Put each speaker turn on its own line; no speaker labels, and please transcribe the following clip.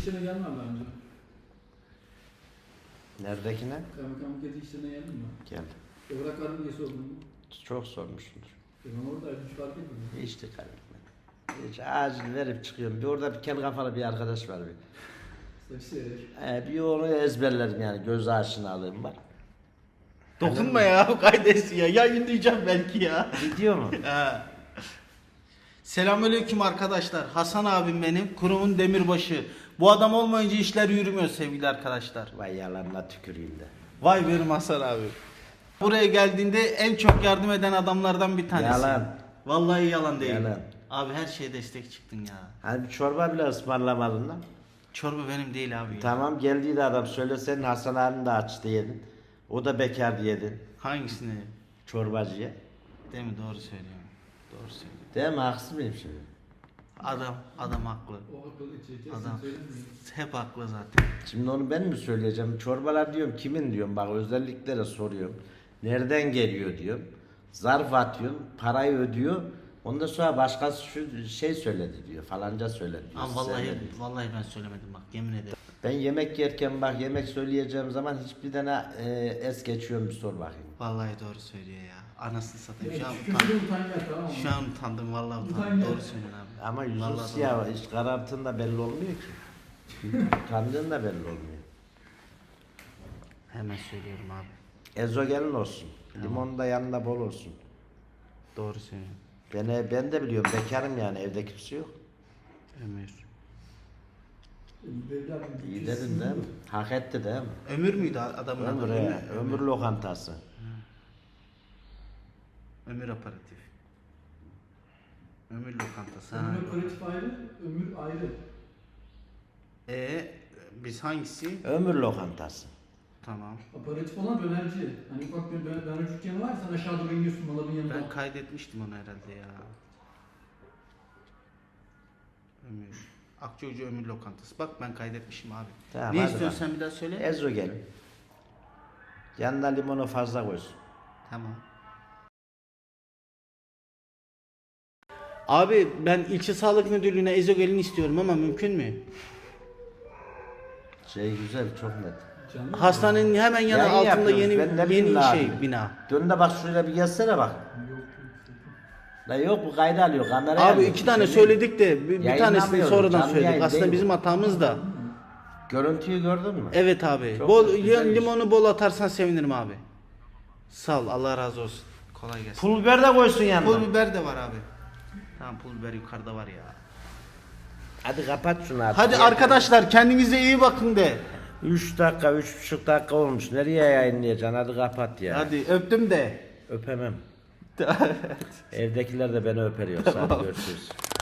işlerine gelmem bence.
Neredekine?
Kaymakamlık gezi işlerine geldin mi?
Gel.
Evrak vardı diye sordum mu?
Çok sormuşsundur.
Ben oradaydım, hiç fark etmedim.
Hiç dikkat etmedim. Hiç acil verip çıkıyorum. Bir orada bir kel kafalı bir arkadaş var bir.
Saçı.
Bir onu ezberlerim yani. Göz aşinalığım var.
Dokunma ya kaydesi ya. Yayınlayacağım belki ya.
Gidiyor mu?
Selamünaleyküm arkadaşlar. Hasan abim benim. Kurumun demirbaşı. Bu adam olmayınca işler yürümüyor sevgili arkadaşlar.
Vay yalanla tüküreyim de.
Vay benim Hasan abi. Buraya geldiğinde en çok yardım eden adamlardan bir tanesi.
Yalan.
Vallahi yalan değil.
Yalan.
Abi her şeye destek çıktın ya.
Hani bir çorba bile ısmarlamadın lan.
Çorba benim değil abi ya.
Tamam geldiydi adam söyle senin Hasan abin de açtı yedin. O da bekardı yedin.
Hangisini?
Çorbacıya.
Değil mi? Doğru söylüyorum. Doğru söylüyorum.
Değil mi? Haksız mıyım şimdi?
Adam haklı.
O akıllı çekeceğiz.
Adam
Söylemiyorum.
hep haklı zaten.
Şimdi onu ben mi söyleyeceğim? Çorbalar diyorum kimin diyorum bak özelliklere soruyorum. Nereden geliyor diyorum. Zarf atıyorum, parayı ödüyor. Ondan sonra başkası şu şey söyledi diyor. Falanca söyledi diyor.
Ama vallahi
Söyledi.
ben söylemedim bak yemin ederim.
Ben yemek yerken bak yemek söyleyeceğim zaman hiçbir tane es geçiyorum bir sor bakayım.
Vallahi doğru söylüyor ya. Anasını satayım. Şu an
Kötü
utandım.
utan gel, tamam mı?
Şu an utandım vallahi
Utan
utandım.
gel.
Doğru söylüyorsun abi.
Ama yüzün
Vallahi
siyah
doğru.
hiç kararttığında belli olmuyor ki. Utandığın da belli olmuyor.
Hemen söylüyorum abi.
Ezogelin olsun. Limon da yanında bol olsun.
Doğru söylüyorsun.
Ben de biliyorum bekarım yani evde kimse yok.
Ömür.
İyi dedin değil mi? Hak etti değil mi?
Ömür müydü adamın adı?
Ömür, ömür lokantası.
Ömür aparatif. Ömür lokantası.
Ömür operatif ayrı, ömür ayrı.
Biz hangisi?
Ömür lokantası.
Tamam.
Aparatif olan dönerci. Hani ufak bir dönerci dükkanı var, sen aşağı doğru iniyorsun malabın yanında.
Ben kaydetmiştim onu herhalde ya. Ömür. Akçakoca Ömür Lokantası. Bak ben kaydetmişim abi.
Tamam,
Ne
hadi
istiyorsun
bak.
sen bir daha söyle?
Ezogelin. Yanına limonu fazla koysun.
Tamam. Abi ben ilçe sağlık müdürlüğüne ezogelin istiyorum ama mümkün mü?
Şey güzel çok net.
Canlı mı?
Hastanenin hemen yanı
Ya iyi
altında
yapıyoruz. Ben ne bileyim
yeni
la
şey
abi.
bina.
Dön de bak şuraya bir gelsene bak.
Yok.
La yok bu kayda alıyor kameraya
Abi
alıyor.
iki tane
Şey
söyledik de bir tanesini
Yayınlamıyoruz,
sonradan
canlı
söyledik.
yayın
Aslında
değil
bizim
bu.
hatamız da.
Görüntüyü gördün mü?
Evet abi.
Çok güzelmiş.
Limonu bol atarsan sevinirim abi. Sağ ol. Allah razı olsun. Kolay gelsin.
Pul biber de koysun yanına.
Pul biber de var abi. Tamam pul biber yukarıda var ya.
Hadi kapat şunu artık.
Hadi arkadaşlar kendinize iyi bakın de.
3 dakika, 3,5 dakika olmuş. Nereye yayınlayacaksın? Hadi kapat ya.
Hadi öptüm de.
Öpemem. Evdekiler de beni öper yoksa. Hadi görüşürüz.